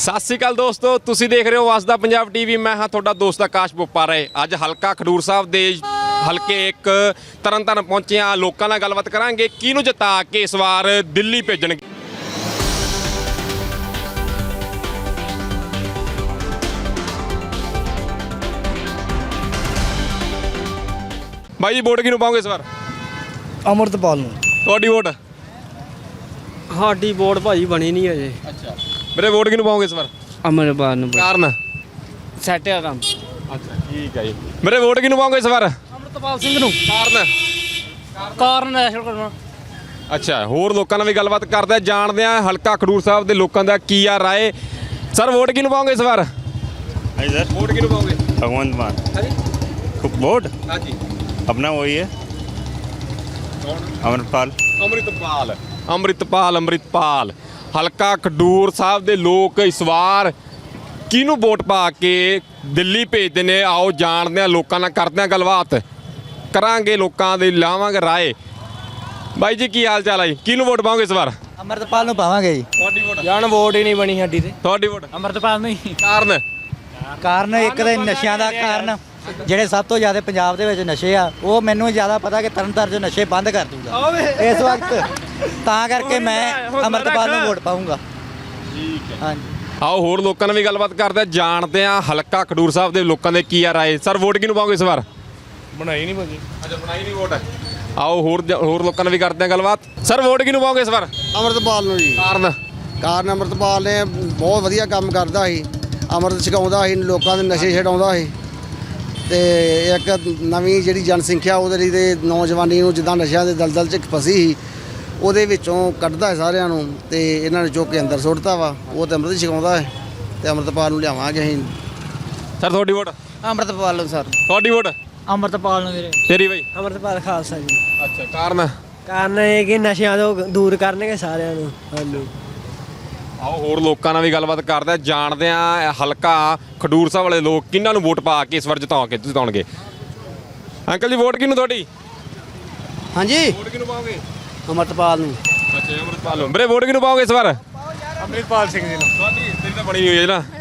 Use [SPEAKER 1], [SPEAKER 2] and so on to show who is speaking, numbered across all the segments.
[SPEAKER 1] ਸਤਿ ਸ਼੍ਰੀ ਅਕਾਲ ਦੋਸਤੋ, ਤੁਸੀਂ ਦੇਖ ਰਹੇ ਹੋ ਵਸਦਾ ਪੰਜਾਬ ਟੀਵੀ। ਮੈਂ ਹਾਂ ਤੁਹਾਡਾ ਦੋਸਤ ਆਕਾਸ਼ ਬੋਪਾਰੇ। ਅੱਜ ਹਲਕਾ ਖਡੂਰ ਸਾਹਿਬ ਦੇ ਹਲਕੇ ਇੱਕ ਤਰਨਤਾਰਨ ਪਹੁੰਚੇ ਹਾਂ। ਲੋਕਾਂ ਨਾਲ ਗੱਲਬਾਤ ਕਰਾਂਗੇ ਕਿਹਨੂੰ ਜਿਤਾ ਕੇ ਇਸ ਵਾਰ ਦਿੱਲੀ ਭੇਜਣਗੇ। ਬਾਈ ਜੀ, ਵੋਟ ਕਿਹਨੂੰ ਪਾਓਗੇ ਇਸ ਵਾਰ?
[SPEAKER 2] ਅਮਰਤਪਾਲ ਨੂੰ।
[SPEAKER 1] ਤੁਹਾਡੀ ਵੋਟ?
[SPEAKER 2] ਸਾਡੀ ਵੋਟ ਭਾਜੀ ਬਣੀ ਨਹੀਂ ਅਜੇ।
[SPEAKER 1] ਅੱਛਾ, ਮੇਰੇ ਵੋਟ ਕਿਹਨੂੰ ਪਾਓਗੇ ਇਸ ਵਾਰ?
[SPEAKER 2] ਅਮਰਤਪਾਲ ਨੂੰ।
[SPEAKER 1] ਕਾਰਨ?
[SPEAKER 2] ਸੈਟ ਆ ਕੰਮ।
[SPEAKER 1] ਅੱਛਾ, ਠੀਕ ਹੈ ਜੀ। ਮੇਰੇ ਵੋਟ ਕਿਹਨੂੰ ਪਾਓਗੇ ਇਸ ਵਾਰ?
[SPEAKER 2] ਅਮਰਤਪਾਲ ਸਿੰਘ ਨੂੰ।
[SPEAKER 1] ਕਾਰਨ
[SPEAKER 2] ਨੈਸ਼ਨਲ ਕਰਨਾ।
[SPEAKER 1] ਅੱਛਾ, ਹੋਰ ਲੋਕਾਂ ਨਾਲ ਵੀ ਗੱਲਬਾਤ ਕਰਦੇ ਆ, ਜਾਣਦੇ ਆ ਹਲਕਾ ਖਡੂਰ ਸਾਹਿਬ ਦੇ ਲੋਕਾਂ ਦਾ ਕੀ ਆ ਰਾਏ। ਸਰ, ਵੋਟ ਕਿਹਨੂੰ ਪਾਓਗੇ ਇਸ ਵਾਰ?
[SPEAKER 3] ਹਾਂਜੀ सर,
[SPEAKER 1] ਵੋਟ ਕਿਹਨੂੰ ਪਾਓਗੇ?
[SPEAKER 3] भगवंत मान
[SPEAKER 1] ਹਾਂਜੀ
[SPEAKER 3] वोट
[SPEAKER 1] ਹਾਂਜੀ।
[SPEAKER 3] अपना वही है अमरपाल।
[SPEAKER 1] ਅੰਮ੍ਰਿਤਪਾਲ ਹਲਕਾ ਖਡੂਰ ਸਾਹਿਬ ਦੇ ਲੋਕ ਇਸ ਵਾਰ ਕਿਹਨੂੰ ਵੋਟ ਪਾ ਕੇ ਦਿੱਲੀ ਭੇਜਦੇ ਨੇ? ਆਓ ਜਾਣਦੇ ਆ, ਲੋਕਾਂ ਨਾਲ ਕਰਦੇ ਆ ਗੱਲਬਾਤ, ਕਰਾਂਗੇ ਲੋਕਾਂ ਦੇ, ਲਾਵਾਂਗੇ ਰਾਏ। ਬਾਈ ਜੀ, ਕੀ ਹਾਲ ਚਾਲ ਹੈ ਜੀ? ਕਿਹਨੂੰ ਵੋਟ ਪਾਓਗੇ ਇਸ ਵਾਰ?
[SPEAKER 2] ਅਮਰਤਪਾਲ ਨੂੰ ਪਾਵਾਂਗੇ ਜੀ।
[SPEAKER 1] ਤੁਹਾਡੀ ਵੋਟ?
[SPEAKER 2] ਜਾਨ ਵੋਟ ਹੀ ਨਹੀਂ ਬਣੀ ਸਾਡੀ ਤੇ।
[SPEAKER 1] ਤੁਹਾਡੀ ਵੋਟ?
[SPEAKER 2] ਅਮਰਤਪਾਲ ਨੂੰ ਹੀ।
[SPEAKER 1] ਕਾਰਨ
[SPEAKER 2] ਇੱਕ ਦੇ ਨਸ਼ਿਆਂ ਦਾ ਕਾਰਨ, ਜਿਹੜੇ ਸਭ ਤੋਂ ਜ਼ਿਆਦਾ ਪੰਜਾਬ ਦੇ ਵਿੱਚ ਨਸ਼ੇ ਆ, ਉਹ ਮੈਨੂੰ ਜ਼ਿਆਦਾ ਪਤਾ ਕਿ ਤਰਨਤਾਰਨ 'ਚ ਨਸ਼ੇ ਬੰਦ ਕਰ ਦੂਗਾ ਇਸ ਵਕਤ, ਤਾਂ ਕਰਕੇ ਮੈਂ ਅਮਰਤਪਾਲ ਨੂੰ ਵੋਟ ਪਾਊਂਗਾ।
[SPEAKER 1] ਠੀਕ ਹੈ।
[SPEAKER 2] ਹਾਂਜੀ,
[SPEAKER 1] ਆਓ ਹੋਰ ਲੋਕਾਂ ਨਾਲ ਵੀ ਗੱਲਬਾਤ ਕਰਦੇ ਆ, ਜਾਣਦੇ ਆ ਹਲਕਾ ਖਡੂਰ ਸਾਹਿਬ ਦੇ ਲੋਕਾਂ ਦੇ ਕੀ ਆ ਰਾਏ। ਸਰ, ਵੋਟ ਕਿਹਨੂੰ ਪਾਓਗੇ ਇਸ ਵਾਰ?
[SPEAKER 3] बनाई नहीं मुझे।
[SPEAKER 1] ਅੱਛਾ, ਬਣਾਈ ਨਹੀਂ ਵੋਟ। ਆਓ ਹੋਰ ਲੋਕਾਂ ਨਾਲ ਵੀ ਕਰਦੇ ਆ ਗੱਲਬਾਤ। ਸਰ, ਵੋਟ ਕਿਹਨੂੰ ਪਾਓਗੇ ਇਸ ਵਾਰ?
[SPEAKER 4] ਅਮਰਤਪਾਲ ਨੂੰ ਜੀ। ਕਾਰਨ ਅਮਰਤਪਾਲ ਨੇ ਬਹੁਤ ਵਧੀਆ ਕੰਮ ਕਰਦਾ ਸੀ, ਅੰਮ੍ਰਿਤ ਛਕਾਉਂਦਾ ਸੀ, ਲੋਕਾਂ ਦੇ ਨਸ਼ੇ ਛਡਾਉਂਦਾ ਸੀ, ਤੇ ਇੱਕ ਨਵੀਂ ਜਿਹੜੀ ਜਨਸੰਖਿਆ ਉਹਦੇ ਲਈ ਤੇ ਨੌਜਵਾਨੀ ਨੂੰ ਜਿੱਦਾਂ ਨਸ਼ਿਆਂ ਦੇ ਦਲਦਲ 'ਚ ਫਸੀ ਸੀ, ਉਹਦੇ ਵਿੱਚੋਂ ਕੱਢਦਾ ਹੈ ਸਾਰਿਆਂ ਨੂੰ, ਤੇ ਇਹਨਾਂ ਨੇ ਚੁੱਕ ਕੇ ਅੰਦਰ ਸੁੱਟਤਾ ਵਾ। ਉਹ ਤੇ ਅੰਮ੍ਰਿਤ ਛਕਾਉਂਦਾ ਹੈ, ਤੇ ਅਮਰਤਪਾਲ ਨੂੰ ਲਿਆਵਾਂਗੇ ਅਸੀਂ।
[SPEAKER 1] ਸਰ, ਤੁਹਾਡੀ ਵੋਟ?
[SPEAKER 2] ਅਮਰਤਪਾਲ ਨੂੰ ਸਰ।
[SPEAKER 1] ਤੁਹਾਡੀ ਵੋਟ?
[SPEAKER 2] ਅਮਰਤਪਾਲ ਨੂੰ ਵੀਰੇ।
[SPEAKER 1] ਤੇਰੀ ਬਾਈ?
[SPEAKER 2] ਅਮਰਤਪਾਲ ਖਾਲਸਾ ਜੀ।
[SPEAKER 1] ਅੱਛਾ, ਕਾਰਨ
[SPEAKER 2] ਇਹ ਕਿ ਨਸ਼ਿਆਂ ਤੋਂ ਦੂਰ ਕਰਨਗੇ ਸਾਰਿਆਂ ਨੂੰ। ਹਾਂਜੀ।
[SPEAKER 1] ਆਓ ਹੋਰ ਲੋਕਾਂ ਨਾਲ ਵੀ ਗੱਲਬਾਤ ਕਰਦੇ ਆ, ਜਾਣਦੇ ਆ ਹਲਕਾ ਖਡੂਰ ਸਾਹਿਬ ਵਾਲੇ ਲੋਕ ਕਿਹਨਾਂ ਨੂੰ ਵੋਟ ਪਾ ਕੇ ਇਸ ਵਾਰ ਜਿਤਾਉਣਗੇ। ਅੰਕਲ ਜੀ, ਵੋਟ ਕਿਹਨੂੰ ਤੁਹਾਡੀ?
[SPEAKER 4] ਹਾਂਜੀ,
[SPEAKER 1] ਵੋਟ ਕਿਹਨੂੰ ਪਾਓਗੇ?
[SPEAKER 4] ਅਮਰਤਪਾਲ ਨੂੰ।
[SPEAKER 1] ਅੱਛਾ, ਅਮਰਤਪਾਲ ਨੂੰ। ਮੇਰੇ ਵੋਟ ਕਿਹਨੂੰ ਪਾਓਗੇ ਇਸ ਵਾਰ?
[SPEAKER 3] अमृतपाल सिंह जी
[SPEAKER 1] ਤੁਹਾਡੀ? ਤੇਰੀ ਤਾਂ ਬਣੀ ਹੋਈ ਹੈ ਨਾ।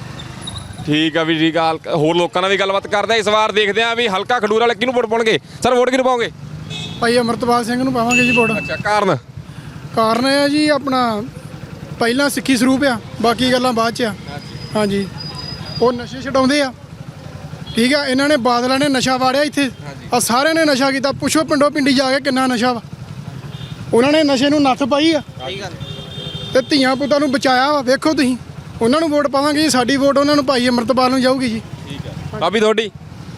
[SPEAKER 1] ਠੀਕ ਆ ਵੀ, ਠੀਕ ਆ। ਹੋਰ ਲੋਕਾਂ ਨਾਲ ਵੀ ਗੱਲਬਾਤ ਕਰਦੇ ਆ, ਇਸ ਵਾਰ ਦੇਖਦੇ ਆ ਵੀ ਹਲਕਾ ਖਡੂਰ ਵਾਲੇ ਕਿਹਨੂੰ ਵੋਟ ਪਾਉਣਗੇ। ਸਰ, ਵੋਟ ਕਿਹਨੂੰ ਪਾਓਗੇ?
[SPEAKER 5] ਭਾਈ ਅਮਰਤਪਾਲ ਸਿੰਘ ਨੂੰ ਪਾਵਾਂਗੇ ਜੀ ਵੋਟ।
[SPEAKER 1] ਅੱਛਾ, ਕਾਰਨ
[SPEAKER 5] ਕਾਰਨ ਇਹ ਆ ਜੀ, ਆਪਣਾ ਪਹਿਲਾਂ ਸਿੱਖੀ ਸਰੂਪ ਆ, ਬਾਕੀ ਗੱਲਾਂ ਬਾਅਦ 'ਚ ਆ। ਹਾਂਜੀ, ਉਹ ਨਸ਼ੇ ਛਡਾਉਂਦੇ ਆ। ਠੀਕ ਆ, ਇਹਨਾਂ ਨੇ ਬਾਦਲਾਂ ਨੇ ਨਸ਼ਾ ਵਾੜਿਆ ਇੱਥੇ, ਆ ਸਾਰਿਆਂ ਨੇ ਨਸ਼ਾ ਕੀਤਾ। ਪੁੱਛੋ ਪਿੰਡੋਂ ਪਿੰਡੀ ਜਾ ਕੇ ਕਿੰਨਾ ਨਸ਼ਾ ਵਾ। ਉਹਨਾਂ ਨੇ ਨਸ਼ੇ ਨੂੰ ਨੱਥ ਪਾਈ ਆ, ਤੇ ਧੀਆਂ ਪੁੱਤਾਂ ਨੂੰ ਬਚਾਇਆ ਵਾ। ਵੇਖੋ ਤੁਸੀਂ, ਉਹਨਾਂ ਨੂੰ ਵੋਟ ਪਾਵਾਂਗੇ ਜੀ। ਸਾਡੀ ਵੋਟ ਉਹਨਾਂ ਨੂੰ ਭਾਈ ਅਮਰਤਪਾਲ ਨੂੰ ਜਾਊਗੀ ਜੀ।
[SPEAKER 1] ਠੀਕ ਹੈ। ਭਾਬੀ, ਤੁਹਾਡੀ?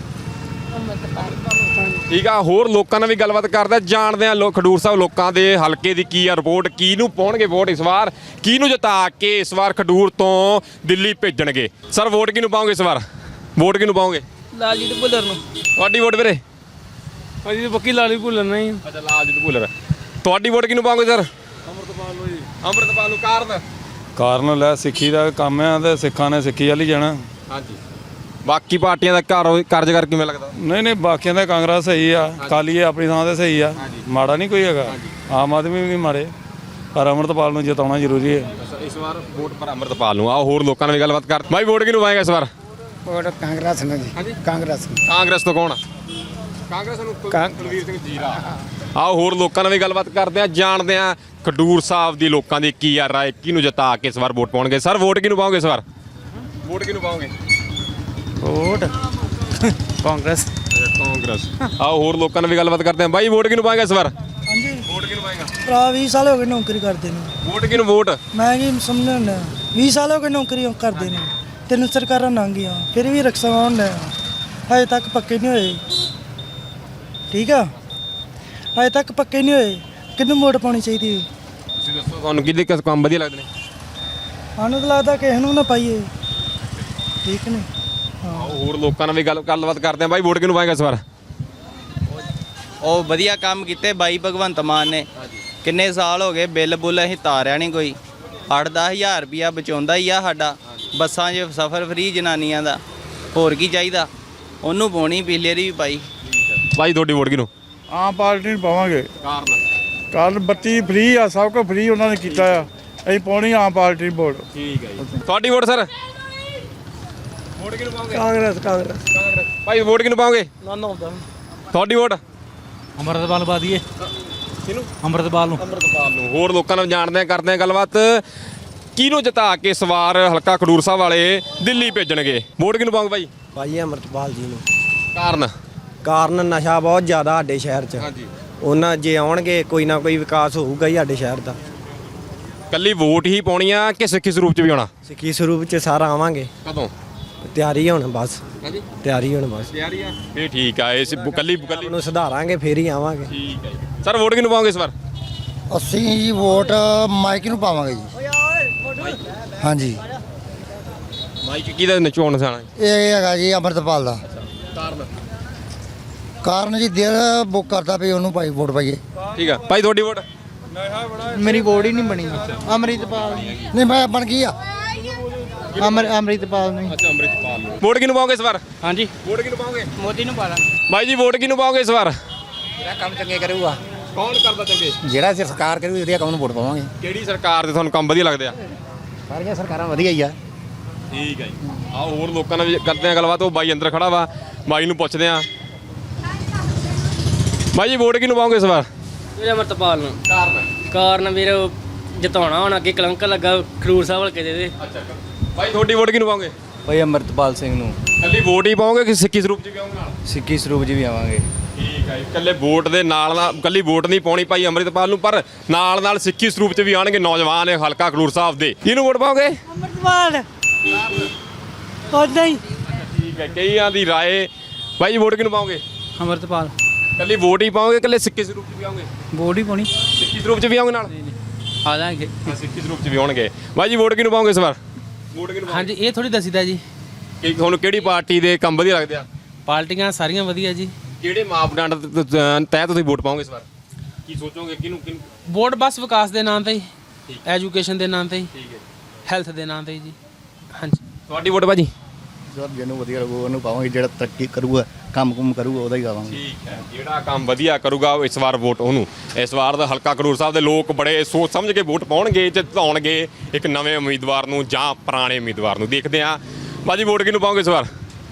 [SPEAKER 1] ਠੀਕ ਆ। ਹੋਰ ਲੋਕਾਂ ਨਾਲ ਵੀ ਗੱਲਬਾਤ ਕਰਦੇ ਆ, ਜਾਣਦੇ ਆ ਖਡੂਰ ਸਾਹਿਬ ਲੋਕਾਂ ਦੇ ਹਲਕੇ ਦੀ ਕੀ ਆ ਰਿਪੋਰਟ, ਕਿਹਨੂੰ ਪਾਉਣਗੇ ਵੋਟ ਇਸ ਵਾਰ, ਕਿਹਨੂੰ ਜਿਤਾ ਕੇ ਇਸ ਵਾਰ ਖਡੂਰ ਤੋਂ ਦਿੱਲੀ ਭੇਜਣਗੇ। ਸਰ, ਵੋਟ ਕਿਹਨੂੰ ਪਾਓਗੇ ਇਸ ਵਾਰ? ਵੋਟ ਕਿਹਨੂੰ ਪਾਓਗੇ?
[SPEAKER 2] ਲਾਲਜੀਤ ਭੁੱਲਰ ਨੂੰ।
[SPEAKER 1] ਤੁਹਾਡੀ ਵੋਟ ਵੀਰੇ?
[SPEAKER 2] ਭਾਜੀ ਪੱਕੀ ਲਾਲਜੀਤ ਭੁੱਲਰ ਨਹੀਂ।
[SPEAKER 1] ਅੱਛਾ, ਲਾਲਜੀਤ ਭੁੱਲਰ। ਤੁਹਾਡੀ ਵੋਟ ਕਿਹਨੂੰ ਪਾਓਗੇ ਸਰ? ਅਮਰਤਪਾਲ ਨੂੰ ਜੀ। ਅਮਰਤਪਾਲ ਨੂੰ।
[SPEAKER 6] ਕਾਰਨ ਲੈ ਸਿੱਖੀ ਦਾ ਕੰਮ ਆ, ਤੇ ਸਿੱਖਾਂ ਨੇ ਸਿੱਖੀ ਵੱਲ ਹੀ ਜਾਣਾ।
[SPEAKER 1] ਹਾਂਜੀ। ਬਾਕੀ ਪਾਰਟੀਆਂ ਦਾ ਕਾਰਜਕਾਰ ਕਿਵੇਂ ਲੱਗਦਾ?
[SPEAKER 6] ਨਹੀਂ, ਬਾਕੀਆਂ ਦਾ ਕਾਂਗਰਸ ਸਹੀ ਆ, ਅਕਾਲੀ ਆਪਣੀ ਥਾਂ ਤੇ ਸਹੀ ਆ, ਮਾੜਾ ਨਹੀਂ ਕੋਈ ਹੈਗਾ। ਆਮ ਆਦਮੀ ਵੀ ਨਹੀਂ ਮਾੜੇ, ਪਰ ਅਮਰਤਪਾਲ ਨੂੰ ਜਿਤਾਉਣਾ ਜ਼ਰੂਰੀ ਹੈ।
[SPEAKER 1] ਇਸ ਵਾਰ ਵੋਟ ਪਰ ਅਮਰਤਪਾਲ ਨੂੰ। ਆਓ ਹੋਰ ਲੋਕਾਂ ਨਾਲ ਵੀ ਗੱਲਬਾਤ ਕਰ। ਭਾਈ, ਵੋਟ ਕਿਹਨੂੰ ਪਾਏਗਾ ਇਸ ਵਾਰ?
[SPEAKER 4] ਵੋਟ ਕਾਂਗਰਸ ਨੂੰ ਜੀ। ਕਾਂਗਰਸ।
[SPEAKER 1] ਕਾਂਗਰਸ ਤੋਂ ਕੌਣ? ਕਾਂਗਰਸ ਨੂੰ ਕੁਲਵੀਰ ਸਿੰਘ ਜੀਰਾ। ਆਓ ਹੋਰ ਲੋਕਾਂ ਨਾਲ ਵੀ ਗੱਲਬਾਤ ਕਰਦੇ ਆ, ਜਾਣਦੇ ਆ ਖਡੂਰ ਸਾਹਿਬ ਦੀ ਲੋਕਾਂ ਦੀ ਕੀ ਆ ਰਾਏ, ਕਿਹਨੂੰ ਜਿਤਾ ਕੇ ਇਸ ਵਾਰ ਵੋਟ ਪਾਉਣਗੇ। ਸਰ, ਵੋਟ ਕਿਹਨੂੰ ਪਾਓਗੇ ਇਸ ਵਾਰ? ਵੋਟ ਕਿਹਨੂੰ ਪਾਓਗੇ?
[SPEAKER 2] ਵੋਟ ਕਾਂਗਰਸ।
[SPEAKER 1] ਕਾਂਗਰਸ। ਆਓ ਹੋਰ ਲੋਕਾਂ ਨਾਲ ਵੀ ਗੱਲਬਾਤ ਕਰਦੇ ਆ। ਬਾਈ, ਵੋਟ ਕਿਹਨੂੰ ਪਾਏਗਾ ਇਸ ਵਾਰ?
[SPEAKER 7] ਹਾਂਜੀ,
[SPEAKER 1] ਵੋਟ ਕਿਹਨੂੰ ਪਾਏਗਾ?
[SPEAKER 7] ਭਰਾ 20 ਸਾਲ ਹੋ ਗਏ ਨੌਕਰੀ ਕਰਦੇ ਨੇ।
[SPEAKER 1] ਵੋਟ ਕਿਹਨੂੰ? ਵੋਟ
[SPEAKER 7] ਮੈਂ ਕੀ ਸਮਝਣਾ, 20 ਸਾਲ ਹੋ ਗਏ ਨੌਕਰੀ ਕਰਦੇ ਨੇ, 3 ਸਰਕਾਰਾਂ ਲੰਘ ਗਈਆਂ, ਫਿਰ ਵੀ ਰਕਸ਼ਾ ਹੋਣ ਹਜੇ ਤੱਕ ਪੱਕੇ ਨਹੀਂ ਹੋਏ। ਠੀਕ ਆ, ਹਜੇ ਤੱਕ ਪੱਕੇ ਨਹੀਂ ਹੋਏ। ਕਿਹਨੂੰ ਵੋਟ ਪਾਉਣੀ ਚਾਹੀਦੀ ਹੈ?
[SPEAKER 1] ਤੁਸੀਂ ਦੱਸੋ, ਤੁਹਾਨੂੰ ਕਿਹਦੇ ਕਿਸ ਕੰਮ ਵਧੀਆ ਲੱਗਦੇ ਨੇ?
[SPEAKER 7] ਸਾਨੂੰ ਤਾਂ ਲੱਗਦਾ ਕਿਸੇ ਨੂੰ ਨਾ ਪਾਈਏ। ਠੀਕ ਨੇ।
[SPEAKER 1] ਆਓ ਹੋਰ ਲੋਕਾਂ ਨਾਲ ਵੀ ਗੱਲਬਾਤ ਕਰਦੇ ਆ। ਬਾਈ, ਵੋਟ ਕਿਹਨੂੰ ਪਾਏਗਾ ਇਸ ਵਾਰ?
[SPEAKER 8] ਉਹ ਵਧੀਆ ਕੰਮ ਕੀਤੇ ਬਾਈ ਭਗਵੰਤ ਮਾਨ ਨੇ। ਕਿੰਨੇ ਸਾਲ ਹੋ ਗਏ ਬਿੱਲ ਬੁੱਲ ਅਸੀਂ ਤਾਰਿਆ ਨਹੀਂ ਕੋਈ। 8-10 ਹਜ਼ਾਰ ਰੁਪਈਆ ਬਚਾਉਂਦਾ ਹੀ ਆ ਸਾਡਾ, ਬੱਸਾਂ 'ਚ ਸਫ਼ਰ ਫਰੀ ਜਨਾਨੀਆਂ ਦਾ। ਹੋਰ ਕੀ ਚਾਹੀਦਾ? ਉਹਨੂੰ ਪਾਉਣੀ, ਪਿਛਲੇ ਵਾਰੀ ਵੀ ਪਾਈ।
[SPEAKER 1] ਬਾਈ, ਤੁਹਾਡੀ ਵੋਟ ਕਿਹਨੂੰ?
[SPEAKER 6] ਆਮ ਪਾਰਟੀ ਨੂੰ ਪਾਵਾਂਗੇ। ਕਾਰਨ ਬੱਤੀ ਫ੍ਰੀ ਆ, ਸਭ ਕੁਝ ਫ੍ਰੀ ਉਹਨਾਂ ਨੇ ਕੀਤਾ ਆ, ਅਸੀਂ ਪਾਉਣੀ ਆਮ ਪਾਰਟੀ ਵੋਟ।
[SPEAKER 1] ਠੀਕ ਹੈ ਜੀ। ਤੁਹਾਡੀ ਵੋਟ ਸਰ? ਵੋਟ ਕਿਹਨੂੰ ਪਾਓਗੇ?
[SPEAKER 7] ਕਾਂਗਰਸ
[SPEAKER 1] ਭਾਈ ਵੋਟ ਕਿਹਨੂੰ ਪਾਓਗੇ? ਤੁਹਾਡੀ ਵੋਟ?
[SPEAKER 2] ਅੰਮ੍ਰਿਤਪਾਲ ਪਾ ਦਈਏ।
[SPEAKER 1] ਕਿਹਨੂੰ?
[SPEAKER 2] ਅੰਮ੍ਰਿਤਪਾਲ ਨੂੰ।
[SPEAKER 1] ਅੰਮ੍ਰਿਤਪਾਲ ਨੂੰ। ਹੋਰ ਲੋਕਾਂ ਨਾਲ ਜਾਣਦੇ ਆ, ਕਰਦੇ ਆ ਗੱਲਬਾਤ। ਕਿਹਨੂੰ ਜਿਤਾ ਕੇ ਇਸ ਵਾਰ ਹਲਕਾ ਖਡੂਰ ਸਾਹਿਬ ਵਾਲੇ ਦਿੱਲੀ ਭੇਜਣਗੇ? ਵੋਟ ਕਿਹਨੂੰ ਪਾਓਗੇ ਭਾਈ?
[SPEAKER 2] ਭਾਈ ਅੰਮ੍ਰਿਤਪਾਲ ਜੀ ਨੂੰ।
[SPEAKER 1] ਕਾਰਨ?
[SPEAKER 2] ਕਾਰਨ ਨਸ਼ਾ ਬਹੁਤ ਜ਼ਿਆਦਾ ਸਾਡੇ ਸ਼ਹਿਰ 'ਚ।
[SPEAKER 1] ਹਾਂਜੀ।
[SPEAKER 2] ਉਹਨਾਂ ਜੇ ਆਉਣਗੇ ਕੋਈ ਨਾ ਕੋਈ ਵਿਕਾਸ ਹੋਊਗਾ ਹੀ ਸਾਡੇ ਸ਼ਹਿਰ ਦਾ।
[SPEAKER 1] ਕੱਲੀ ਵੋਟ ਹੀ ਪਾਉਣੀ ਆ ਕਿ ਸਿੱਖੀ ਸਰੂਪ ਚ ਵੀ ਆਉਣਾ?
[SPEAKER 2] ਸਿੱਖੀ ਸਰੂਪ 'ਚ ਸਾਰਾ ਆਵਾਂਗੇ।
[SPEAKER 1] ਕਦੋਂ?
[SPEAKER 2] ਤਿਆਰੀ ਹੁਣ ਬਸ।
[SPEAKER 1] ਹਾਂਜੀ
[SPEAKER 2] ਤਿਆਰੀ ਹੁਣ ਬਸ।
[SPEAKER 1] ਤਿਆਰੀ ਆ ਇਹ ਠੀਕ ਆ। ਇਸ ਕੱਲੀ
[SPEAKER 2] ਨੂੰ ਸੁਧਾਰਾਂਗੇ ਫੇਰ ਹੀ ਆਵਾਂਗੇ।
[SPEAKER 1] ਠੀਕ ਹੈ ਜੀ। ਸਰ ਵੋਟ ਕਿਹਨੂੰ ਪਾਓਗੇ ਇਸ ਵਾਰ?
[SPEAKER 4] ਅਸੀਂ ਜੀ ਵੋਟ ਮਾਈਕ ਨੂੰ ਪਾਵਾਂਗੇ ਜੀ। ਹਾਂਜੀ
[SPEAKER 1] ਮਾਈਕ ਕਿਹਦਾ ਨਚਾਉਣ ਨਿਸ਼ਾਨਾ?
[SPEAKER 4] ਇਹ ਹੈਗਾ ਜੀ ਅੰਮ੍ਰਿਤਪਾਲ ਦਾ।
[SPEAKER 1] ਕਾਰਨ?
[SPEAKER 4] ਕਾਰਨ ਜੀ ਦਿਲ ਬੁੱਕ ਕਰਦਾ ਵੀ ਉਹਨੂੰ ਭਾਈ ਵੋਟ ਪਾਈਏ।
[SPEAKER 1] ਠੀਕ ਆ ਭਾਈ। ਤੁਹਾਡੀ ਵੋਟ?
[SPEAKER 2] ਮੇਰੀ ਵੋਟ ਹੀ ਨਹੀਂ ਬਣੀ। ਅੰਮ੍ਰਿਤਪਾਲ
[SPEAKER 4] ਨਹੀਂ ਮੈਂ ਬਣ ਗਈ ਆ।
[SPEAKER 2] ਅੰਮ੍ਰਿਤਪਾਲ ਨੂੰ।
[SPEAKER 1] ਅੱਛਾ ਅੰਮ੍ਰਿਤਪਾਲ ਨੂੰ। ਵੋਟ ਕਿਹਨੂੰ ਪਾਓਗੇ ਇਸ ਵਾਰ?
[SPEAKER 2] ਹਾਂਜੀ
[SPEAKER 1] ਵੋਟ ਕਿਹਨੂੰ ਪਾਓਗੇ?
[SPEAKER 2] ਮੋਦੀ ਨੂੰ ਪਾ ਲਾਂ।
[SPEAKER 1] ਭਾਈ ਜੀ ਵੋਟ ਕਿਹਨੂੰ ਪਾਓਗੇ ਇਸ ਵਾਰ?
[SPEAKER 4] ਜਿਹੜਾ ਕੰਮ ਚੰਗੇ ਕਰੂਗਾ,
[SPEAKER 1] ਕੌਣ ਕਰਦਾ ਚੰਗੇ?
[SPEAKER 4] ਜਿਹੜਾ ਸਰਕਾਰ ਕਰੂ ਵਧੀਆ ਕੰਮ ਨੂੰ ਵੋਟ ਪਾਵਾਂਗੇ।
[SPEAKER 1] ਕਿਹੜੀ ਸਰਕਾਰ ਦੇ ਤੁਹਾਨੂੰ ਕੰਮ ਵਧੀਆ ਲੱਗਦੇ ਆ?
[SPEAKER 4] ਸਾਰੀਆਂ ਸਰਕਾਰਾਂ ਵਧੀਆ ਹੀ ਆ।
[SPEAKER 1] ਠੀਕ ਹੈ ਜੀ। ਆਓ ਹੋਰ ਲੋਕਾਂ ਨਾਲ ਵੀ ਕਰਦੇ ਆ ਗੱਲਬਾਤ। ਉਹ ਬਾਈ ਅੰਦਰ ਖੜਾ ਵਾ, ਬਾਈ ਨੂੰ ਪੁੱਛਦੇ ਆ। ਬਾਈ ਜੀ ਵੋਟ ਕਿਹਨੂੰ ਪਾਓਗੇ ਇਸ ਵਾਰ?
[SPEAKER 9] ਵੀਰੇ ਅੰਮ੍ਰਿਤਪਾਲ ਨੂੰ।
[SPEAKER 1] ਕਾਰਨ?
[SPEAKER 9] ਕਾਰਨ ਵੀਰੇ ਜਿਤਾਉਣਾ ਹੁਣ, ਅੱਗੇ ਕਲੰਕ ਲੱਗਾ ਖਡੂਰ ਸਾਹਿਬ ਹਲਕੇ ਦੇ।
[SPEAKER 1] ਅੱਛਾ ਭਾਈ ਤੁਹਾਡੀ ਵੋਟ ਕਿਹਨੂੰ ਪਾਓਗੇ?
[SPEAKER 2] ਭਾਈ ਅੰਮ੍ਰਿਤਪਾਲ ਸਿੰਘ ਨੂੰ।
[SPEAKER 1] ਕੱਲੀ ਵੋਟ ਹੀ ਪਾਓਗੇ ਕਿ ਸਿੱਖੀ ਸਰੂਪ ਚ ਵੀ ਆਉਂਗੇ ਨਾਲ?
[SPEAKER 2] ਸਿੱਖੀ ਸਰੂਪ 'ਚ ਵੀ ਆਵਾਂਗੇ।
[SPEAKER 1] ਠੀਕ ਹੈ ਜੀ। ਕੱਲੇ ਵੋਟ ਦੇ ਨਾਲ ਕੱਲੀ ਵੋਟ ਨਹੀਂ ਪਾਉਣੀ ਭਾਈ ਅੰਮ੍ਰਿਤਪਾਲ ਨੂੰ, ਪਰ ਨਾਲ ਨਾਲ ਸਿੱਖੀ ਸਰੂਪ ਚ ਵੀ ਆਣਗੇ ਨੌਜਵਾਨ ਇਹ ਹਲਕਾ ਖਡੂਰ ਸਾਹਿਬ ਦੇ। ਕਿਹਨੂੰ ਵੋਟ ਪਾਓਗੇ?
[SPEAKER 7] ਅੰਮ੍ਰਿਤਪਾਲ ਉਦਾਂ ਹੀ।
[SPEAKER 1] ਠੀਕ ਹੈ। ਕਈਆਂ ਦੀ ਰਾਏ। ਭਾਈ ਵੋਟ ਕਿਹਨੂੰ ਪਾਓਗੇ?
[SPEAKER 2] ਅੰਮ੍ਰਿਤਪਾਲ।
[SPEAKER 1] ਕੱਲੀ ਵੋਟ ਹੀ ਪਾਓਗੇ ਕੱਲੇ ਸਿੱਖੀ ਸਰੂਪ ਚ ਵੀ ਆਉਂਗੇ?
[SPEAKER 2] ਵੋਟ ਹੀ ਪਾਉਣੀ।
[SPEAKER 1] ਸਿੱਖੀ ਸਰੂਪ ਚ ਵੀ ਆਉਂਗੇ ਨਾਲ?
[SPEAKER 2] ਆ ਜਾਾਂਗੇ।
[SPEAKER 1] ਸਿੱਖੀ ਸਰੂਪ ਚ ਵੀ ਆਉਣਗੇ। ਭਾਈ ਜੀ ਵੋਟ ਕਿਹਨੂੰ ਪਾਓਗੇ ਇਸ ਵਾਰ? ਵੋਟ ਕਿਹਨੂੰ?
[SPEAKER 9] ਹਾਂਜੀ ਇਹ ਥੋੜੀ ਦੱਸੀਦਾ ਜੀ।
[SPEAKER 1] ਕਿ ਤੁਹਾਨੂੰ ਕਿਹੜੀ ਪਾਰਟੀ ਦੇ ਕੰਮ ਵਧੀਆ ਲੱਗਦੇ ਆ?
[SPEAKER 9] ਪਾਰਟੀਆਂ ਸਾਰੀਆਂ ਵਧੀਆ ਜੀ।
[SPEAKER 1] ਕਿਹੜੇ ਮਾਪਦੰਡ ਤਹਿ ਤੁਸੀਂ ਵੋਟ ਪਾਓਗੇ ਇਸ ਵਾਰ? ਕੀ ਸੋਚੋਗੇ ਕਿਹਨੂੰ?
[SPEAKER 9] ਵੋਟ ਬਸ ਵਿਕਾਸ ਦੇ ਨਾਂ ਤੇ ਹੀ, ਐਜੂਕੇਸ਼ਨ ਦੇ ਨਾਂ ਤੇ ਹੀ,
[SPEAKER 1] ਠੀਕ ਹੈ।
[SPEAKER 9] ਹੈਲਥ ਦੇ ਨਾਂ ਤੇ ਹੀ ਜੀ। ਹਾਂਜੀ।
[SPEAKER 1] ਤੁਹਾਡੀ ਵੋਟ ਭਾਜੀ?
[SPEAKER 3] ਸਰ ਜਿਹਨੂੰ ਵਧੀਆ ਲੱਗੂ ਉਹਨੂੰ ਪਾਵਾਂਗੇ, ਜਿਹੜਾ ਤਰੱਕੀ ਕਰੂਗਾ ਕੰਮ ਕਰੂਗਾ ਉਹਦਾ ਹੀ ਪਾਵਾਂਗੇ।
[SPEAKER 1] ਠੀਕ ਹੈ। ਜਿਹੜਾ ਕੰਮ ਵਧੀਆ ਕਰੂਗਾ ਇਸ ਵਾਰ ਵੋਟ ਉਹਨੂੰ। ਇਸ ਵਾਰ ਦਾ ਹਲਕਾ ਖਡੂਰ ਸਾਹਿਬ ਦੇ ਲੋਕ ਬੜੇ ਸੋਚ ਸਮਝ ਕੇ ਵੋਟ ਪਾਉਣਗੇ, ਜਿਤਾਉਣਗੇ ਇੱਕ ਨਵੇਂ ਉਮੀਦਵਾਰ ਨੂੰ ਜਾਂ ਪੁਰਾਣੇ ਉਮੀਦਵਾਰ ਨੂੰ। ਦੇਖਦੇ ਆ ਭਾਜੀ ਵੋਟ ਕਿਹਨੂੰ ਪਾਓਗੇ ਇਸ ਵਾਰ?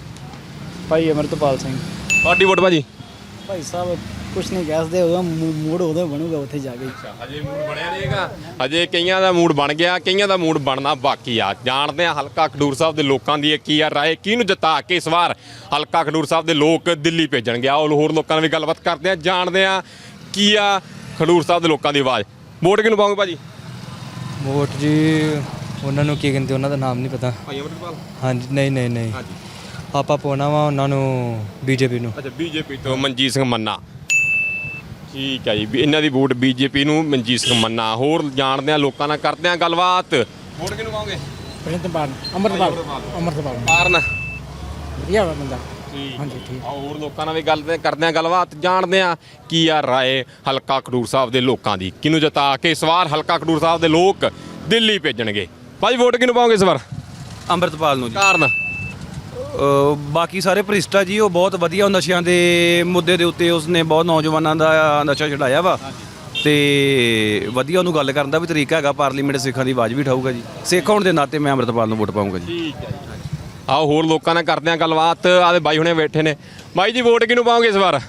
[SPEAKER 2] ਭਾਈ ਅੰਮ੍ਰਿਤਪਾਲ ਸਿੰਘ।
[SPEAKER 1] ਤੁਹਾਡੀ ਵੋਟ ਭਾਜੀ?
[SPEAKER 2] ਭਾਈ ਸਾਹਿਬ ਕੁਛ ਨਹੀਂ ਕਹਿ ਉਹਦਾ ਮੂਡ ਉਦੋਂ ਬਣੂਗਾ ਉੱਥੇ ਜਾ ਕੇ।
[SPEAKER 1] ਹਜੇ ਮੂਡ ਬਣਿਆ ਨਹੀਂਗਾ। ਹਜੇ ਕਈਆਂ ਦਾ ਮੂਡ ਬਣ ਗਿਆ, ਕਈਆਂ ਦਾ ਮੂਡ ਬਣਨਾ ਬਾਕੀ ਆ। ਜਾਣਦੇ ਆ ਹਲਕਾ ਖਡੂਰ ਸਾਹਿਬ ਦੇ ਲੋਕਾਂ ਦੀ ਕੀ ਆ ਰਾਏ, ਕਿਹਨੂੰ ਜਿਤਾ ਕੇ ਇਸ ਵਾਰ ਹਲਕਾ ਖਡੂਰ ਸਾਹਿਬ ਦੇ ਲੋਕ ਦਿੱਲੀ ਭੇਜਣਗੇ। ਆਓ ਹੋਰ ਲੋਕਾਂ ਨਾਲ ਵੀ ਗੱਲਬਾਤ ਕਰਦੇ ਆ, ਜਾਣਦੇ ਆ ਕੀ ਆ ਖਡੂਰ ਸਾਹਿਬ ਦੇ ਲੋਕਾਂ ਦੀ ਆਵਾਜ਼। ਵੋਟ ਕਿਹਨੂੰ ਪਾਓਗੇ ਭਾਜੀ?
[SPEAKER 2] ਵੋਟ ਜੀ ਉਹਨਾਂ ਨੂੰ ਕੀ ਕਹਿੰਦੇ, ਉਹਨਾਂ ਦਾ ਨਾਮ ਨਹੀਂ ਪਤਾ।
[SPEAKER 1] ਭਾਈ ਅੰਮ੍ਰਿਤਪਾਲ?
[SPEAKER 2] ਹਾਂਜੀ ਨਹੀਂ
[SPEAKER 1] ਹਾਂਜੀ।
[SPEAKER 2] ਆਪਾਂ ਪਾਉਣਾ ਵਾ ਉਹਨਾਂ ਨੂੰ ਬੀਜੇਪੀ ਨੂੰ।
[SPEAKER 1] ਅੱਛਾ ਬੀਜੇਪੀ ਤੋਂ ਮਨਜੀਤ ਸਿੰਘ ਮੰਨਾ। ਠੀਕ ਹੈ ਜੀ। ਇਹਨਾਂ ਦੀ ਵੋਟ ਬੀਜੇਪੀ ਨੂੰ, ਮਨਜੀਤ ਸਿੰਘ ਮੰਨਾ। ਹੋਰ ਜਾਣਦੇ ਆ ਲੋਕਾਂ ਨਾਲ ਕਰਦੇ ਆ ਗੱਲਬਾਤ। ਵੋਟ ਕਿਹਨੂੰ ਪਾਓਗੇ?
[SPEAKER 7] ਅੰਮ੍ਰਿਤਪਾਲ।
[SPEAKER 1] ਕਾਰਨ?
[SPEAKER 7] ਵਧੀਆ ਬੰਦਾ।
[SPEAKER 1] ਹਾਂਜੀ ਠੀਕ। ਹੋਰ ਲੋਕਾਂ ਨਾਲ ਵੀ ਗੱਲ ਕਰਦੇ ਆ ਗੱਲਬਾਤ, ਜਾਣਦੇ ਆ ਕੀ ਆ ਰਾਏ ਹਲਕਾ ਖਡੂਰ ਸਾਹਿਬ ਦੇ ਲੋਕਾਂ ਦੀ। ਕਿਹਨੂੰ ਜਿਤਾ ਕੇ ਇਸ ਵਾਰ ਹਲਕਾ ਖਡੂਰ ਸਾਹਿਬ ਦੇ ਲੋਕ ਦਿੱਲੀ ਭੇਜਣਗੇ। ਭਾਈ ਵੋਟ ਕਿਹਨੂੰ ਪਾਓਗੇ ਇਸ ਵਾਰ?
[SPEAKER 10] ਅੰਮ੍ਰਿਤਪਾਲ ਨੂੰ ਜੀ।
[SPEAKER 1] ਕਾਰਨ?
[SPEAKER 10] ਬਾਕੀ ਸਾਰੇ ਭ੍ਰਿਸ਼ਟਾ ਜੀ ਉਹ ਬਹੁਤ ਵਧੀਆ ਨਸ਼ਿਆਂ ਦੇ ਮੁੱਦੇ ਦੇ ਉੱਤੇ ਉਸਨੇ ਬਹੁਤ ਨੌਜਵਾਨਾਂ ਦਾ ਨਸ਼ਾ ਛਡਾਇਆ ਵਾ ਤੇ ਵਧੀਆ ਉਹਨੂੰ ਗੱਲ ਕਰਨ ਦਾ ਵੀ ਤਰੀਕਾ ਹੈਗਾ। ਪਾਰਲੀਮੈਂਟ ਸਿੱਖਾਂ ਦੀ ਆਵਾਜ਼ ਵੀ ਉਠਾਊਗਾ ਜੀ। ਸਿੱਖ ਹੋਣ ਦੇ ਨਾਤੇ ਮੈਂ ਅੰਮ੍ਰਿਤਪਾਲ ਨੂੰ ਵੋਟ ਪਾਊਂਗਾ ਜੀ।
[SPEAKER 1] ਠੀਕ ਹੈ ਜੀ। ਆਓ ਹੋਰ ਲੋਕਾਂ ਨਾਲ ਕਰਦੇ ਆ ਗੱਲਬਾਤ। ਆਦੇ ਬਾਈ ਹੁਣੇ ਬੈਠੇ ਨੇ। ਬਾਈ ਜੀ ਵੋਟ ਕਿਹਨੂੰ ਪਾਓਗੇ ਇਸ ਵਾਰ?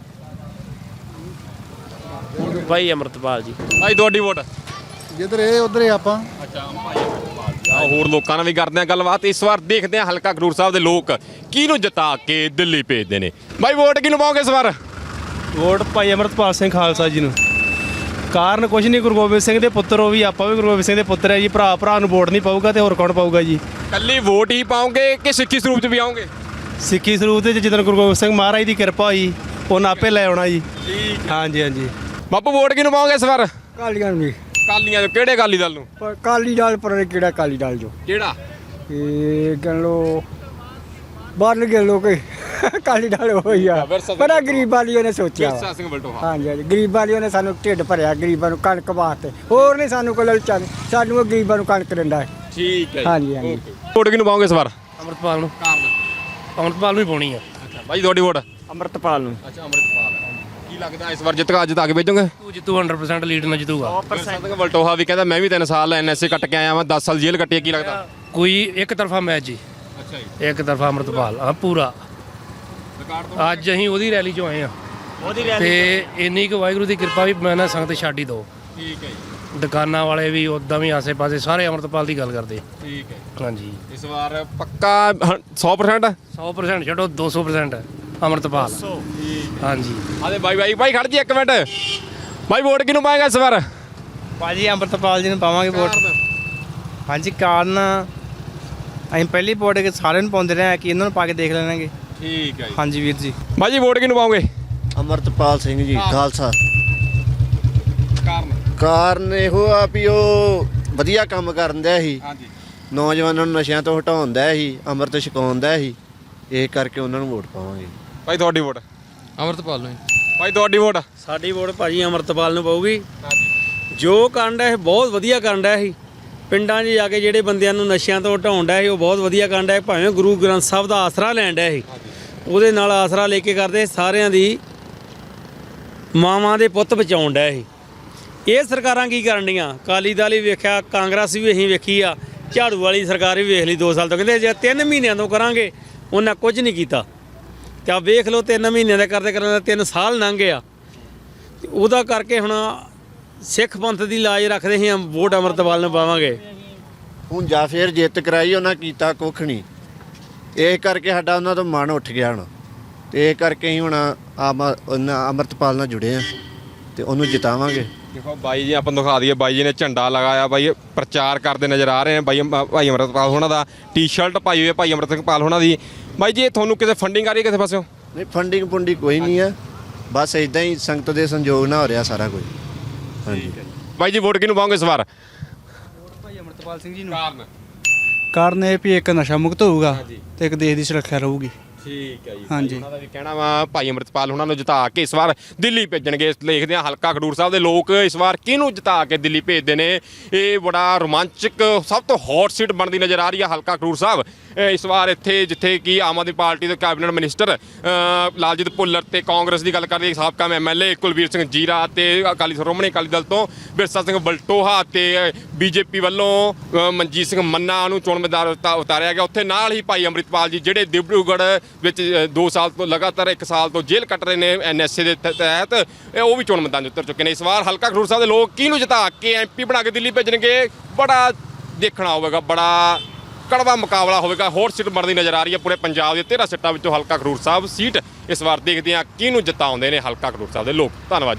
[SPEAKER 9] ਭਾਈ ਅੰਮ੍ਰਿਤਪਾਲ ਜੀ।
[SPEAKER 1] ਭਾਈ ਤੁਹਾਡੀ ਵੋਟ?
[SPEAKER 4] ਜਿੱਧਰ ਇਹ ਉਧਰ ਹੀ ਆਪਾਂ।
[SPEAKER 1] ਅੱਛਾ ਭਾਈ ਅੰਮ੍ਰਿਤਪਾਲ ਜੀ। ਆਓ ਹੋਰ ਲੋਕਾਂ ਨਾਲ ਵੀ ਕਰਦੇ ਆ ਗੱਲਬਾਤ। ਇਸ ਵਾਰ ਦੇਖਦੇ ਆ ਹਲਕਾ ਖਡੂਰ ਸਾਹਿਬ ਦੇ ਲੋਕ ਕਿਹਨੂੰ ਜਿਤਾ ਕੇ ਦਿੱਲੀ ਭੇਜਦੇ ਨੇ। ਬਾਈ ਵੋਟ ਕਿਹਨੂੰ ਪਾਓਗੇ ਇਸ ਵਾਰ?
[SPEAKER 11] ਵੋਟ ਭਾਈ ਅੰਮ੍ਰਿਤਪਾਲ ਸਿੰਘ ਖਾਲਸਾ ਜੀ ਨੂੰ। ਕਾਰਨ ਕੁਝ ਨਹੀਂ, ਗੁਰੂ ਗੋਬਿੰਦ ਸਿੰਘ ਦੇ ਪੁੱਤਰ ਉਹ ਵੀ, ਆਪਾਂ ਵੀ ਗੁਰੂ ਗੋਬਿੰਦ ਸਿੰਘ ਦੇ ਪੁੱਤਰ ਹੈ ਜੀ। ਭਰਾ ਨੂੰ ਵੋਟ ਨਹੀਂ ਪਾਊਗਾ ਤੇ ਹੋਰ ਕੌਣ ਪਾਊਗਾ ਜੀ?
[SPEAKER 1] ਕੱਲੀ ਵੋਟ ਹੀ ਪਾਓਗੇ ਕਿ ਸਿੱਖੀ ਸਰੂਪ ਚ ਵੀ ਆਓਗੇ?
[SPEAKER 11] ਸਿੱਖੀ ਸਰੂਪ ਤੇ ਜਿੱਦਣ ਗੁਰੂ ਗੋਬਿੰਦ ਸਿੰਘ ਮਹਾਰਾਜ ਦੀ ਕਿਰਪਾ ਹੋਈ ਉਹਨਾਂ ਆਪੇ ਲੈ ਆਉਣਾ ਜੀ।
[SPEAKER 1] ਠੀਕ।
[SPEAKER 11] ਹਾਂਜੀ।
[SPEAKER 1] ਬਾਪੂ ਵੋਟ ਕਿਹਨੂੰ ਪਾਓਗੇ ਇਸ ਵਾਰ?
[SPEAKER 2] ਕਾਲੀਆਂ ਨੂੰ ਜੀ।
[SPEAKER 1] ਕਾਲੀਆਂ ਚੋਂ ਕਿਹੜੇ ਅਕਾਲੀ ਦਲ ਨੂੰ?
[SPEAKER 2] ਕਾਲੀ ਦਾਲ ਪਰ ਕਿਹੜਾ ਕਾਲੀ ਦਾਲ ਜੋ
[SPEAKER 1] ਕਿਹੜਾ?
[SPEAKER 2] ਇਹ ਕਹਿ ਲੋ ਬਾਹਰ ਗਏ ਲੋਕ ਕਾਲੀ ਦਾਲ ਹੋਈ ਆ। ਬੜਾ ਗਰੀਬ ਵਾਲੀਆਂ ਨੇ ਸੋਚਿਆ।
[SPEAKER 1] ਵਿਰਸਾ ਸਿੰਘ ਬਲਟੋਹਾ।
[SPEAKER 2] ਹਾਂਜੀ ਗਰੀਬ ਵਾਲੀਆਂ ਨੇ ਸਾਨੂੰ ਢਿੱਡ ਭਰਿਆ, ਗਰੀਬਾਂ ਨੂੰ ਕਣਕ ਵਾਸਤੇ। ਹੋਰ ਨਹੀਂ ਸਾਨੂੰ ਕੋਈ ਲਲਚਾ ਨਹੀਂ, ਸਾਨੂੰ ਗਰੀਬਾਂ ਨੂੰ ਕਣਕ ਦਿੰਦਾ ਹੈ।
[SPEAKER 1] ਠੀਕ ਹੈ।
[SPEAKER 2] ਹਾਂਜੀ।
[SPEAKER 1] ਵੋਟ ਕਿਹਨੂੰ ਪਾਓਗੇ ਇਸ ਵਾਰ?
[SPEAKER 11] ਅੰਮ੍ਰਿਤਪਾਲ ਨੂੰ।
[SPEAKER 1] ਕਾਰਨ?
[SPEAKER 11] ਅੰਮ੍ਰਿਤਪਾਲ ਨੂੰ ਹੀ ਪਾਉਣੀ ਆ।
[SPEAKER 1] ਅੱਛਾ ਭਾਈ ਤੁਹਾਡੀ ਵੋਟ?
[SPEAKER 2] ਅੰਮ੍ਰਿਤਪਾਲ ਨੂੰ।
[SPEAKER 1] ਅੱਛਾ ਅੰਮ੍ਰਿਤਪਾਲ। ਕੀ ਕੀ ਲੱਗਦਾ ਇਸ ਵਾਰ ਜਿੱਤਾ ਕੇ ਭੇਜੋਗੇ?
[SPEAKER 9] ਤੂੰ ਜਿੱਤੂ 100% ਲੀਡ ਨਾਲ ਜਿੱਤੂਗਾ।
[SPEAKER 1] ਸਿੰਘ ਵਲਟੋਹਾ ਵੀ ਕਹਿੰਦਾ ਮੈਂ ਵੀ 3 ਸਾਲ ਐਨਐਸਏ ਕੱਟ ਕੇ ਆਇਆ ਵਾਂ, 10 ਸਾਲ ਜੇਲ੍ਹ ਕੱਟੀ ਹੈ, ਕੀ ਲੱਗਦਾ?
[SPEAKER 9] ਕੋਈ ਇੱਕ ਤਰਫਾ ਮੈਚ ਜੀ,
[SPEAKER 1] ਅੱਛਾ ਜੀ,
[SPEAKER 9] ਇੱਕ ਤਰਫਾ ਅੰਮ੍ਰਿਤਪਾਲ ਹਾਂ ਪੂਰਾ। ਅੱਜ ਅਸੀਂ ਉਹਦੀ ਰੈਲੀ 'ਚੋਂ ਆਏ ਆ ਤੇ ਇੰਨੀ ਕੁ ਵਾਹਿਗੁਰੂ ਦੀ ਕਿਰਪਾ ਵੀ ਮੈਂ ਨਾ ਸੰਗਤ ਛੱਡ ਹੀ ਦੋ।
[SPEAKER 1] ਠੀਕ ਹੈ ਜੀ,
[SPEAKER 9] ਦੁਕਾਨਾਂ ਵਾਲੇ ਵੀ ਉਦਾਂ ਵੀ ਆਸੇ-ਪਾਸੇ ਸਾਰੇ ਅੰਮ੍ਰਿਤਪਾਲ ਦੀ ਗੱਲ ਕਰਦੇ।
[SPEAKER 1] ਠੀਕ ਹੈ।
[SPEAKER 9] ਹਾਂਜੀ
[SPEAKER 1] ਇਸ ਵਾਰ ਪੱਕਾ 100%?
[SPEAKER 9] 100% ਛੱਡੋ 200% ਅੰਮ੍ਰਿਤਪਾਲ। ਹਾਂਜੀ
[SPEAKER 1] ਆਦੇ ਬਾਈ ਖੜ ਜੀ 1 ਮਿੰਟ। ਬਾਈ ਵੋਟ ਕਿਹਨੂੰ ਪਾਏਗਾ ਇਸ ਵਾਰ?
[SPEAKER 11] ਭਾਜੀ ਅੰਮ੍ਰਿਤਪਾਲ ਜੀ ਨੂੰ ਪਾਵਾਂਗੇ ਵੋਟ। ਹਾਂਜੀ ਕਾਰਨ ਅਸੀਂ ਪਹਿਲੀ ਵੋਟ ਸਾਰਿਆਂ ਨੂੰ ਪਾਉਂਦੇ ਰਹੇ ਕਿ ਇਹਨਾਂ ਨੂੰ ਪਾ ਕੇ ਦੇਖ ਲੈਣਗੇ।
[SPEAKER 1] ਠੀਕ ਹੈ ਜੀ।
[SPEAKER 11] ਹਾਂਜੀ ਵੀਰ ਜੀ।
[SPEAKER 1] ਬਾਈ ਜੀ ਵੋਟ ਕਿਹਨੂੰ ਪਾਓਗੇ?
[SPEAKER 3] ਅਮਰਤਪਾਲ ਸਿੰਘ ਜੀ ਖਾਲਸਾ।
[SPEAKER 1] ਕਾਰਨ?
[SPEAKER 3] ਕਾਰਨ ਇਹੋ ਆ ਵੀ ਉਹ ਵਧੀਆ ਕੰਮ ਕਰਨ ਦਿਆ ਸੀ,
[SPEAKER 1] ਹਾਂਜੀ,
[SPEAKER 3] ਨੌਜਵਾਨਾਂ ਨੂੰ ਨਸ਼ਿਆਂ ਤੋਂ ਹਟਾਉਣ ਦਿਆ ਸੀ, ਅੰਮ੍ਰਿਤ ਛਕਾਉਣ ਦਿਆ ਸੀ, ਇਹ ਕਰਕੇ ਉਹਨਾਂ ਨੂੰ ਵੋਟ ਪਾਵਾਂਗੇ।
[SPEAKER 1] ਬਾਈ ਤੁਹਾਡੀ ਵੋਟ?
[SPEAKER 11] ਅੰਮ੍ਰਿਤਪਾਲ ਨੂੰ।
[SPEAKER 1] ਬਾਈ ਤੁਹਾਡੀ ਵੋਟ?
[SPEAKER 11] ਸਾਡੀ ਵੋਟ ਭਾਜੀ ਅੰਮ੍ਰਿਤਪਾਲ ਨੂੰ ਪਊਗੀ। ਜੋ ਕਰਨ ਡਿਆ ਇਹ ਬਹੁਤ ਵਧੀਆ ਕਰਨ ਡਿਆ ਸੀ। ਪਿੰਡਾਂ 'ਚ ਜਾ ਕੇ ਜਿਹੜੇ ਬੰਦਿਆਂ ਨੂੰ ਨਸ਼ਿਆਂ ਤੋਂ ਹਟਾਉਣ ਡਿਆ ਸੀ ਉਹ ਬਹੁਤ ਵਧੀਆ ਕਰਨ ਡਿਆ। ਭਾਵੇਂ ਗੁਰੂ ਗ੍ਰੰਥ ਸਾਹਿਬ ਦਾ ਆਸਰਾ ਲੈਣ ਡਿਆ ਸੀ, ਉਹਦੇ ਨਾਲ ਆਸਰਾ ਲੈ ਕੇ ਕਰਦੇ ਸਾਰਿਆਂ ਦੀ ਮਾਵਾਂ ਦੇ ਪੁੱਤ ਬਚਾਉਣ ਡਿਆ ਸੀ। ਇਹ ਸਰਕਾਰਾਂ ਕੀ ਕਰਨ ਡੀਆਂ? ਅਕਾਲੀ ਦਲ ਵੀ ਵੇਖਿਆ, ਕਾਂਗਰਸ ਵੀ ਅਸੀਂ ਵੇਖੀ ਆ, ਝਾੜੂ ਵਾਲੀ ਸਰਕਾਰ ਵੀ ਵੇਖ ਲਈ 2 ਸਾਲ ਤੋਂ। ਕਹਿੰਦੇ ਜੇ 3 ਮਹੀਨਿਆਂ ਤੋਂ ਕਰਾਂਗੇ, ਉਹਨਾਂ ਕੁਝ ਨਹੀਂ ਕੀਤਾ। ਤੇ ਆ ਵੇਖ ਲਓ 3 ਮਹੀਨਿਆਂ ਦਾ ਕਰਦੇ 3 ਸਾਲ ਲੰਘ ਗਏ ਆ। ਉਹਦਾ ਕਰਕੇ ਹੁਣ ਸਿੱਖ ਪੰਥ ਦੀ ਲਾਜ ਰੱਖਦੇ ਸੀ, ਵੋਟ ਅੰਮ੍ਰਿਤਪਾਲ ਨੂੰ ਪਾਵਾਂਗੇ।
[SPEAKER 3] ਹੁਣ ਜਾਂ ਫਿਰ ਜਿੱਤ ਕਰਾਈ ਉਹਨਾਂ ਕੀਤਾ ਕੁੱਖ ਨਹੀਂ, ਇਹ ਕਰਕੇ ਸਾਡਾ ਉਹਨਾਂ ਤੋਂ ਮਨ ਉੱਠ ਗਿਆ ਹੁਣ, ਤੇ ਇਹ ਕਰਕੇ ਹੀ ਹੁਣ ਅੰਮ੍ਰਿਤਪਾਲ ਨਾਲ ਜੁੜੇ ਆ ਤੇ ਉਹਨੂੰ ਜਿਤਾਵਾਂਗੇ।
[SPEAKER 1] ਦੇਖੋ ਬਾਈ ਜੀ ਆਪਾਂ ਨੂੰ ਦਿਖਾ ਦਈਏ, ਬਾਈ ਜੀ ਨੇ ਝੰਡਾ ਲਗਾਇਆ, ਬਾਈ ਪ੍ਰਚਾਰ ਕਰਦੇ ਨਜ਼ਰ ਆ ਰਹੇ ਨੇ। ਭਾਈ ਅੰਮ੍ਰਿਤਪਾਲ ਹੋਣਾ ਦਾ ਟੀ-ਸ਼ਰਟ ਪਾਈ ਹੋਈ ਹੈ ਭਾਈ ਅੰਮ੍ਰਿਤਪਾਲ ਹੋਣਾ ਦੀ। ਬਾਈ ਜੀ ਇਹ ਤੁਹਾਨੂੰ ਕਿਸੇ ਫੰਡਿੰਗ ਆ ਰਹੀ ਹੈ ਕਿਸੇ ਪਾਸਿਓਂ?
[SPEAKER 3] ਨਹੀਂ ਫੰਡਿੰਗ ਪੁੰਡੀ ਕੋਈ ਨਹੀਂ ਆ, ਬਸ ਇਦਾਂ ਹੀ ਸੰਗਤ ਦੇ ਸੰਯੋਗ ਨਾਲ ਹੋ ਰਿਹਾ ਸਾਰਾ ਕੁਝ। ਹਾਂਜੀ
[SPEAKER 1] ਬਾਈ ਜੀ ਵੋਟ ਕਿਹਨੂੰ ਪਾਓਗੇ ਇਸ ਵਾਰ?
[SPEAKER 11] ਭਾਈ ਅੰਮ੍ਰਿਤਪਾਲ ਸਿੰਘ ਜੀ ਨੂੰ।
[SPEAKER 1] ਕਾਰਨ?
[SPEAKER 11] ਕਾਰਨ ਇਹ ਵੀ ਇੱਕ ਨਸ਼ਾ ਮੁਕਤ ਹੋਊਗਾ ਤੇ ਇੱਕ ਦੇਸ਼ ਦੀ ਸੁਰੱਖਿਆ ਰਹੂਗੀ।
[SPEAKER 1] ਠੀਕ ਹੈ ਜੀ।
[SPEAKER 11] ਹਾਂਜੀ।
[SPEAKER 1] ਉਹਨਾਂ ਦਾ ਵੀ ਕਹਿਣਾ ਵਾ ਭਾਈ ਅੰਮ੍ਰਿਤਪਾਲ ਉਹਨਾਂ ਨੂੰ ਜਿਤਾ ਕੇ ਇਸ ਵਾਰ ਦਿੱਲੀ ਭੇਜਣਗੇ। ਦੇਖਦੇ ਹਾਂ ਹਲਕਾ ਖਡੂਰ ਸਾਹਿਬ ਦੇ ਲੋਕ ਇਸ ਵਾਰ ਕਿਹਨੂੰ ਜਿਤਾ ਕੇ ਦਿੱਲੀ ਭੇਜਦੇ ਨੇ। ਇਹ ਬੜਾ ਰੋਮਾਂਚਕ ਸਭ ਤੋਂ ਹੌਟ ਸੀਟ ਬਣਦੀ ਨਜ਼ਰ ਆ ਰਹੀ ਹੈ ਹਲਕਾ ਖਡੂਰ ਸਾਹਿਬ ਇਸ ਵਾਰ। ਇੱਥੇ ਜਿੱਥੇ ਕਿ ਆਮ ਆਦਮੀ ਪਾਰਟੀ ਦੇ ਕੈਬਨਿਟ ਮਿਨਿਸਟਰ ਲਾਲਜੀਤ ਭੁੱਲਰ ਤੇ ਕਾਂਗਰਸ ਦੀ ਗੱਲ ਕਰਦੇ ਸਾਬਕਾ ਐਮਐਲਏ ਕੁਲਵੀਰ ਸਿੰਘ ਜੀਰਾ ਤੇ ਸ਼੍ਰੋਮਣੀ ਅਕਾਲੀ ਦਲ ਤੋਂ ਬਿਰਸਾ ਸਿੰਘ ਵਲਟੋਹਾ ਤੇ ਬੀਜੇਪੀ ਵੱਲੋਂ ਮਨਜੀਤ ਸਿੰਘ ਮੰਨਾ ਨੂੰ ਚੋਣ ਮੈਦਾਨ ਉਤਾਰਿਆ ਗਿਆ। ਉੱਥੇ ਨਾਲ ਹੀ ਭਾਈ ਅੰਮ੍ਰਿਤਪਾਲ ਜੀ ਜਿਹੜੇ ਡਿਬਰੂਗੜ੍ਹ ਵਿੱਚ 2 ਸਾਲ ਤੋਂ ਲਗਾਤਾਰ 1 ਸਾਲ ਤੋਂ ਜੇਲ੍ਹ ਕੱਟ ਰਹੇ ਨੇ ਐਨਐਸਏ ਦੇ ਤਹਿਤ, ਉਹ ਵੀ ਚੋਣ ਮੈਦਾਨ 'ਚ ਉਤਰ ਚੁੱਕੇ ਨੇ। ਇਸ ਵਾਰ ਹਲਕਾ ਖਡੂਰ ਸਾਹਿਬ ਦੇ ਲੋਕ ਕਿਹਨੂੰ ਜਿਤਾ ਕੇ ਐਮਪੀ ਬਣਾ ਕੇ ਦਿੱਲੀ ਭੇਜਣਗੇ, ਬੜਾ ਦੇਖਣਾ ਹੋਵੇਗਾ, ਬੜਾ ਕੜਵਾ ਮੁਕਾਬਲਾ ਹੋਵੇਗਾ। ਹੋਰ ਸੀਟ ਬਣਦੀ ਨਜ਼ਰ ਆ ਰਹੀ ਹੈ ਪੂਰੇ ਪੰਜਾਬ ਦੇ 13 ਸੀਟਾਂ ਵਿੱਚੋਂ ਹਲਕਾ ਖਡੂਰ ਸਾਹਿਬ ਸੀਟ ਇਸ ਵਾਰ ਦੇਖਦੇ ਹਾਂ ਕਿਹਨੂੰ ਜਿਤਾਉਂਦੇ ਨੇ ਹਲਕਾ ਖਡੂਰ ਸਾਹਿਬ ਦੇ ਲੋਕ। ਧੰਨਵਾਦ।